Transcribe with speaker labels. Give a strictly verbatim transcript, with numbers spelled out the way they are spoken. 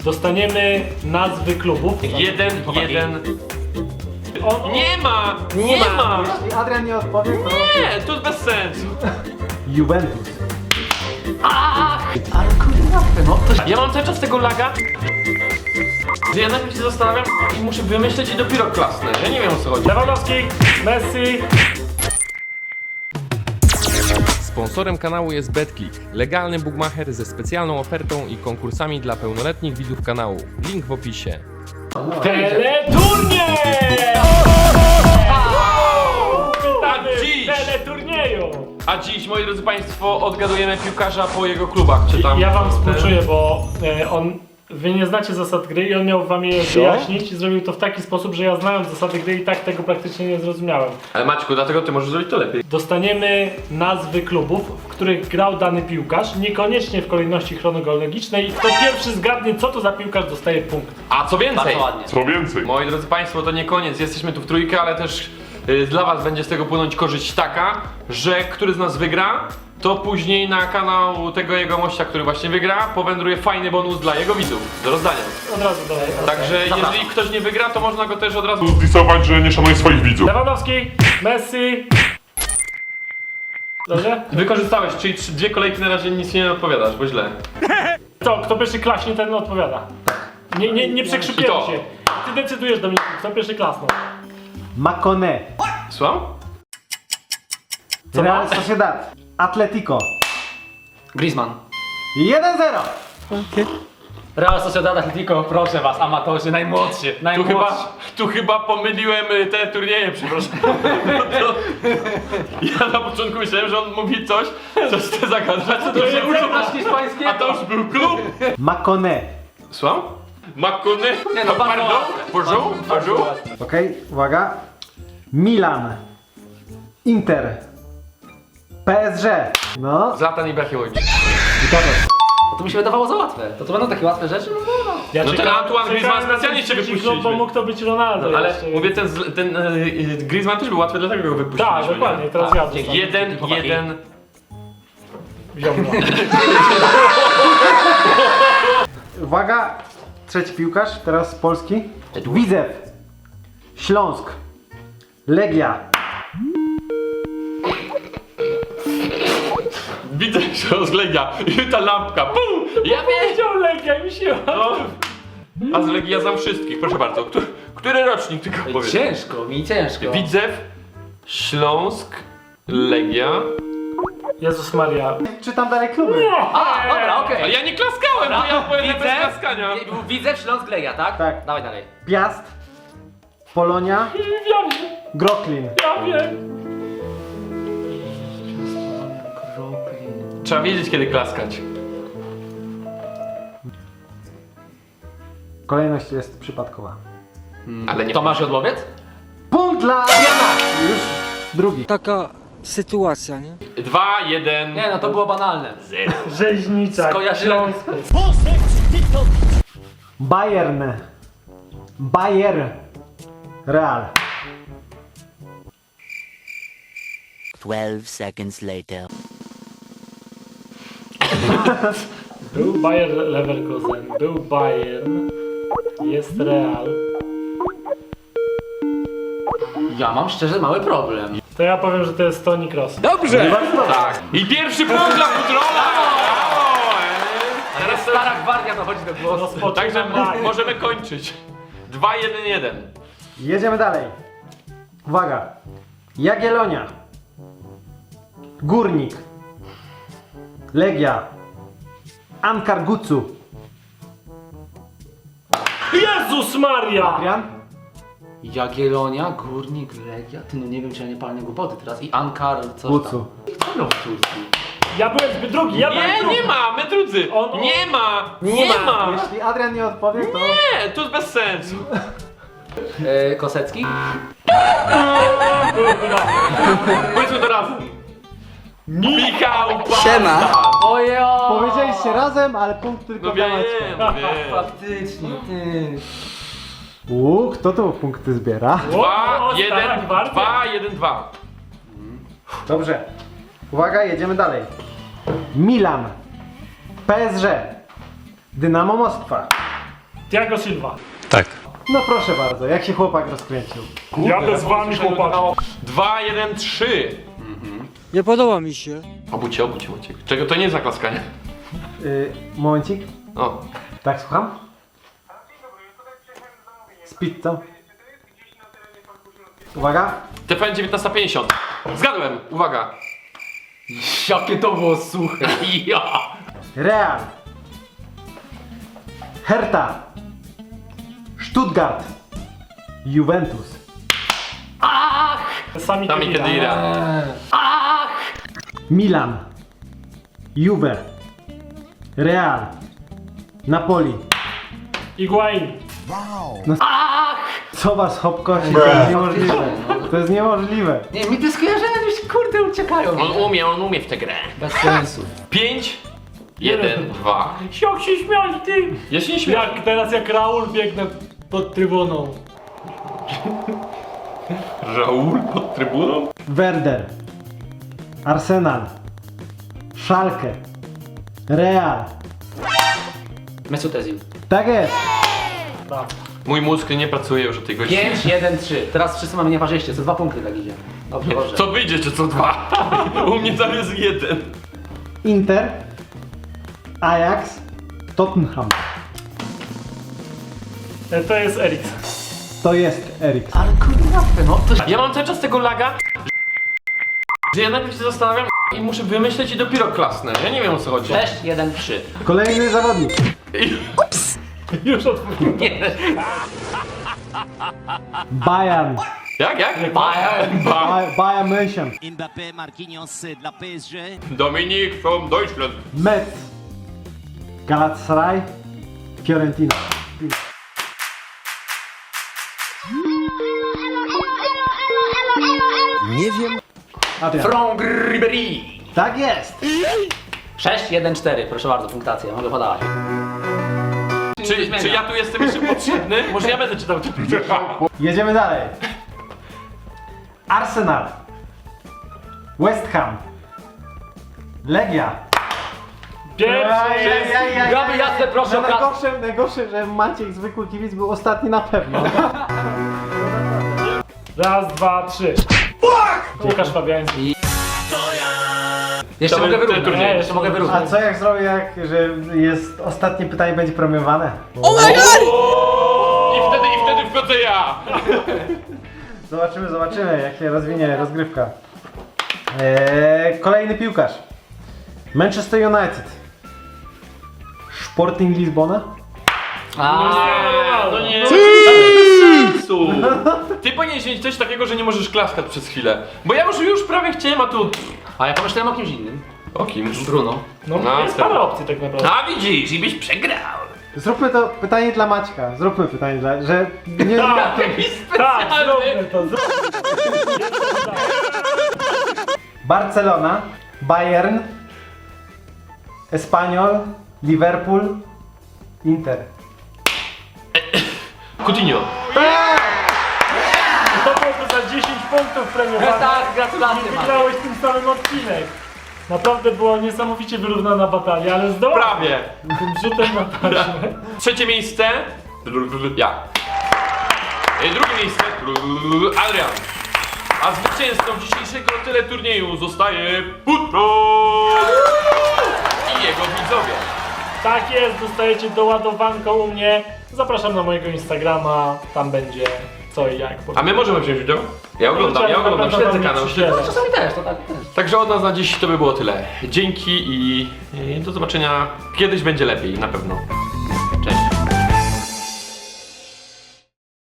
Speaker 1: Dostaniemy nazwy klubów.
Speaker 2: Jeden, jeden.
Speaker 1: On,
Speaker 2: Nie ma! Nie ma!
Speaker 3: Jeśli Adrian nie odpowie, to...
Speaker 2: Nie, to jest bez sensu.
Speaker 3: Juventus.
Speaker 2: Ale kurde, no to... Ja mam cały czas tego laga, że ja najpierw się zastanawiam i muszę wymyśleć i dopiero klasnę. Ja nie wiem, o co chodzi.
Speaker 1: Lewandowski, Messi.
Speaker 4: Sponsorem kanału jest BetClick, legalny bookmacher ze specjalną ofertą i konkursami dla pełnoletnich widzów kanału. Link w opisie.
Speaker 1: Teleturniej! Witamy
Speaker 2: dziś.
Speaker 1: w teleturnieju!
Speaker 2: A dziś, moi drodzy państwo, odgadujemy piłkarza po jego klubach, czy tam...
Speaker 1: Ja wam współczuję, bo e, on... Wy nie znacie zasad gry i on miał wam je wyjaśnić i zrobił to w taki sposób, że ja znałem zasady gry i tak tego praktycznie nie zrozumiałem.
Speaker 2: Ale Maćku, dlatego ty możesz zrobić to lepiej.
Speaker 1: Dostaniemy nazwy klubów, w których grał dany piłkarz, niekoniecznie w kolejności chronologicznej. Kto pierwszy zgadnie, co to za piłkarz, dostaje punkt.
Speaker 2: A co więcej,
Speaker 5: Co więcej?
Speaker 2: moi drodzy państwo, to nie koniec, jesteśmy tu w trójkę, ale też y, dla was będzie z tego płynąć korzyść taka, że który z nas wygra, to później na kanał tego jego mościa, który właśnie wygra, powędruje fajny bonus dla jego widzów do rozdania.
Speaker 1: Od razu dalej.
Speaker 2: Także jeżeli ktoś nie wygra, to można go też od razu...
Speaker 5: Zdisować, że nie szanuje swoich widzów.
Speaker 1: Lewandowski, Messi. Dobrze?
Speaker 2: Wykorzystałeś, czyli trzy, dwie kolejki na razie nic nie odpowiadasz, bo źle.
Speaker 1: Co, kto pierwszy klaśnie, ten odpowiada. Nie, nie, nie przekrzypiemy
Speaker 2: I to.
Speaker 1: się. Ty decydujesz, Dominiku, kto pierwszy klasnął.
Speaker 3: Makone.
Speaker 2: Słucham?
Speaker 3: Real Sociedad. Atletico.
Speaker 6: Griezmann.
Speaker 3: jeden zero.
Speaker 6: Real Sociedad Atletico, proszę was, amatorzy, najmłodsi,
Speaker 2: Tu
Speaker 6: najmłodsi.
Speaker 2: chyba, tu chyba pomyliłem y, te turnieje, przepraszam. To, ja na początku myślałem, że on mówi coś, coś chce zagadać, co to się uczył,
Speaker 6: Znasz hiszpańskiego?
Speaker 2: a to już był klub.
Speaker 3: Makone.
Speaker 2: Słucham? Makony?
Speaker 6: Nie no, bardzo
Speaker 2: Pardon?
Speaker 6: łatwe.
Speaker 2: Bonjour? Bonjour?
Speaker 3: Okej, uwaga. Milan. Inter. P S G. No.
Speaker 2: Zlatan Ibrahimowicz.
Speaker 6: To mi się wydawało za łatwe. To to będą takie łatwe rzeczy? No, no.
Speaker 1: Ja
Speaker 2: No ten
Speaker 1: czekałem-
Speaker 2: Antoine Griezmann
Speaker 1: czekałem na
Speaker 2: specjalnie cię
Speaker 1: ten trzeci
Speaker 2: wypuściliśmy.
Speaker 1: klub, bo mógł to być Ronaldo.
Speaker 2: Ale
Speaker 1: jeszcze.
Speaker 2: mówię, ten, z- ten y, y, Griezmann też był łatwy, dlatego go wypuściliśmy.
Speaker 1: Tak, dokładnie, teraz
Speaker 6: Tak,
Speaker 1: ja
Speaker 6: dzięki.
Speaker 1: dostanę.
Speaker 2: Jeden,
Speaker 6: Chłopaki.
Speaker 2: jeden.
Speaker 1: Wziął mnie.
Speaker 3: Uwaga. Trzeci piłkarz, teraz z Polski. Widzew. Śląsk. Legia.
Speaker 2: Widzę się rozlegia i ta lampka, pum! Ja wiem!
Speaker 1: Wziął Legia i mi się...
Speaker 2: No. A z Legii ja znam wszystkich, proszę bardzo. Który, który rocznik tylko powiem?
Speaker 6: Ciężko, mi ciężko.
Speaker 2: Widzew, Śląsk, Legia.
Speaker 1: Jezus Maria.
Speaker 3: Czytam dalej kluby.
Speaker 6: A, dobra, okej.
Speaker 2: Ale ja nie klaskałem, bo ja powiem bez
Speaker 6: Widzę,
Speaker 2: klaskania.
Speaker 6: widzę Śląsk Legia, tak?
Speaker 3: Tak.
Speaker 6: Dawaj dalej.
Speaker 3: Piast. Polonia.
Speaker 1: Ja wiem,
Speaker 3: Groklin.
Speaker 1: ja wiem.
Speaker 2: Trzeba wiedzieć, kiedy klaskać.
Speaker 3: Kolejność jest przypadkowa.
Speaker 2: Ale nie
Speaker 6: Tomasz Jodłowiec?
Speaker 3: Punkt dla Adriana. Już drugi.
Speaker 7: Taka sytuacja, nie?
Speaker 2: Dwa, jeden.
Speaker 6: Nie no, to było banalne.
Speaker 1: Rzeźnica.
Speaker 6: Skojarzyłem.
Speaker 3: Bayern. Bayer. Real.
Speaker 8: Twelve seconds later.
Speaker 1: Był Bayer Leverkusen, był Bayern, jest Real.
Speaker 6: Ja mam szczerze mały problem.
Speaker 1: To ja powiem, że to jest Toni Kroos.
Speaker 2: Tak. I pierwszy punkt dla Futrola!
Speaker 6: Teraz stara gwardia dochodzi do głosu.
Speaker 1: Rozpoczynam
Speaker 2: Także
Speaker 1: tak.
Speaker 2: możemy kończyć. Dwa, jeden, jeden.
Speaker 3: Jedziemy dalej. Uwaga. Jagiellonia. Górnik. Legia. Ankar Gucu.
Speaker 1: Jezus Maria!
Speaker 3: Adrian.
Speaker 6: Jagiellonia, Górnik, Legia. Ty no nie wiem, czy ja nie palę głupoty teraz. I Ankar, coś
Speaker 3: Gucu.
Speaker 6: tam. Co grał w Turcji?
Speaker 1: Ja byłem zbyt drugi, ja byłem
Speaker 2: Nie,
Speaker 1: drugi.
Speaker 2: nie ma, my drudzy.
Speaker 1: On-
Speaker 2: Nie ma, nie ma.
Speaker 3: Jeśli Adrian nie odpowie, to...
Speaker 2: Nie, to jest bez sensu.
Speaker 6: E, Kosecki?
Speaker 2: Powiedzmy to razem. Michał Siema.
Speaker 6: Ojo!
Speaker 3: Powiedzieliście razem, ale punkt tylko
Speaker 2: No
Speaker 3: dla
Speaker 2: wiem,
Speaker 3: Maćka.
Speaker 2: no wiem.
Speaker 6: Faktycznie, ty.
Speaker 3: Uuu, kto tu punkty zbiera?
Speaker 2: Dwa,
Speaker 1: O, stara
Speaker 2: jeden,
Speaker 1: gwardia.
Speaker 2: dwa, jeden, dwa.
Speaker 3: Dobrze. Uwaga, jedziemy dalej. Milan. P S G. Dynamo Moskwa.
Speaker 1: Thiago Silva.
Speaker 4: Tak.
Speaker 3: No proszę bardzo, jak się chłopak rozkręcił.
Speaker 1: Jadę z wami, chłopaki.
Speaker 2: dwa, jeden, trzy.
Speaker 7: Nie podoba mi się.
Speaker 2: Obucie, obucie, obucie. Czego to nie jest zaklaskanie?
Speaker 3: Yy, momencik.
Speaker 2: O.
Speaker 3: Tak, słucham? Z pizzą. Uwaga.
Speaker 2: T V N dziewiętnaście pięćdziesiąt. Zgadłem, uwaga.
Speaker 6: Jakie to było suche. Ja.
Speaker 3: Real. Hertha. Stuttgart. Juventus.
Speaker 1: Sami
Speaker 2: Sami
Speaker 1: Khedira.
Speaker 2: Khedira.
Speaker 3: Milan. Juve. Real. Napoli.
Speaker 1: Higuain.
Speaker 3: Co was hopkosi? To jest niemożliwe. To jest niemożliwe.
Speaker 6: Nie, mi te skojarzenia gdzieś kurde uciekają.
Speaker 2: On umie, on umie w tę grę.
Speaker 6: Bez sensu.
Speaker 2: pięć, jeden, dwa.
Speaker 1: Jak się śmiali, ty!
Speaker 2: Ja się nie śmieję.
Speaker 1: Jak teraz jak Raul biegnę pod trybuną.
Speaker 2: Raul pod trybuną?
Speaker 3: Werder. Arsenal. Schalke. Real.
Speaker 6: Mesut Özil.
Speaker 3: Tak jest.
Speaker 2: Mój mózg nie pracuje już o tej godzinie.
Speaker 6: pięć, jeden, trzy. Teraz wszyscy mamy nieparzyście, co dwa punkty tak idzie. Dobrze, dobrze.
Speaker 2: Co wyjdzie, czy co dwa? U mnie tam jest jeden.
Speaker 3: Inter. Ajax. Tottenham.
Speaker 1: E, To jest Eriksen.
Speaker 3: To jest Eriksen.
Speaker 6: Ale kurde, łatwe, no. To...
Speaker 2: Ja mam cały czas tego laga, że ja najpierw się zastanawiam i muszę wymyśleć i dopiero klasnę. Ja nie wiem, o co chodzi.
Speaker 6: sześć, jeden, trzy.
Speaker 3: Kolejny zawodnik.
Speaker 2: I-
Speaker 1: Już odpowiedziałem.
Speaker 3: Bayern.
Speaker 2: Jak, jak?
Speaker 6: Bayern.
Speaker 2: Ba-
Speaker 3: Ba- Bayern München.
Speaker 8: Mbappé, Marquinhos dla P S G.
Speaker 2: Dominik from Deutschland.
Speaker 3: Metz. Galatasaray. Fiorentina.
Speaker 7: Nie wiem.
Speaker 3: Adrian.
Speaker 6: Franck Ribéry.
Speaker 3: Tak jest.
Speaker 6: sześć, jeden, cztery. Proszę bardzo, punktacja. Mogę podawać.
Speaker 2: Czy, czy ja tu jestem jeszcze potrzebny? Może ja będę czytał.
Speaker 3: Jedziemy dalej. Arsenal. West Ham. Legia.
Speaker 1: Pierwszy jest...
Speaker 6: Gaby jasne, proszę o
Speaker 3: No
Speaker 6: kas-
Speaker 3: najgorsze, najgorsze, że Maciek zwykły kibic był ostatni na pewno.
Speaker 1: Raz, dwa, trzy. Łukasz Fabiański.
Speaker 6: Jeszcze
Speaker 2: To
Speaker 6: mogę
Speaker 2: ten
Speaker 6: wyrównać.
Speaker 2: turniej.
Speaker 6: Nie, jeszcze mogę
Speaker 3: A
Speaker 6: wyrównać.
Speaker 3: co jak zrobię, jak, że jest ostatnie pytanie będzie premiowane?
Speaker 2: I wtedy, i wtedy wchodzę ja.
Speaker 3: Zobaczymy, zobaczymy jak się rozwinie rozgrywka. Eee, kolejny piłkarz. Manchester United. Sporting Lizbona.
Speaker 6: A,
Speaker 2: To nie jest bez sensu. Ty powinieneś mieć coś takiego, że nie możesz klaskać przez chwilę. Bo ja już, już prawie chciałem, a tu...
Speaker 6: a ja pomyślałem o kimś innym.
Speaker 2: O kim?
Speaker 6: Bruno.
Speaker 1: No,
Speaker 2: No,
Speaker 1: jest
Speaker 2: tak.
Speaker 1: parę opcji tak naprawdę.
Speaker 2: A widzisz, i byś przegrał.
Speaker 3: Zróbmy to pytanie dla Maćka. Zróbmy pytanie dla... że... Nie,
Speaker 1: Tak,
Speaker 6: Jakiś
Speaker 1: tak,
Speaker 6: specjalny.
Speaker 1: zróbmy to. Zróbmy.
Speaker 3: Barcelona. Bayern. Espanyol. Liverpool. Inter.
Speaker 2: Coutinho.
Speaker 1: To byłoby za dziesięć punktów premiowane.
Speaker 6: Tak, gratulacje,
Speaker 1: I
Speaker 6: Maciek.
Speaker 1: wygrałeś tym samym odcinek. Naprawdę była niesamowicie wyrównana batalia, ale zdołałeś
Speaker 2: Prawie.
Speaker 1: tym rzutem na taśmę.
Speaker 2: Trzecie miejsce. Ja. I drugie miejsce. Adrian. A zwycięzcą dzisiejszego teleturnieju zostaje Putro i jego widzowie.
Speaker 1: Tak jest, dostajecie doładowanką u mnie. Zapraszam na mojego Instagrama, tam będzie co i jak.
Speaker 2: A my możemy wziąć udział? Ja oglądam, ja oglądam, śledzę kanał.
Speaker 1: Śledzę.
Speaker 6: Czasami też, to tak też.
Speaker 2: Także od nas na dziś to by było tyle. Dzięki i, i do zobaczenia. Kiedyś będzie lepiej, na pewno. Cześć.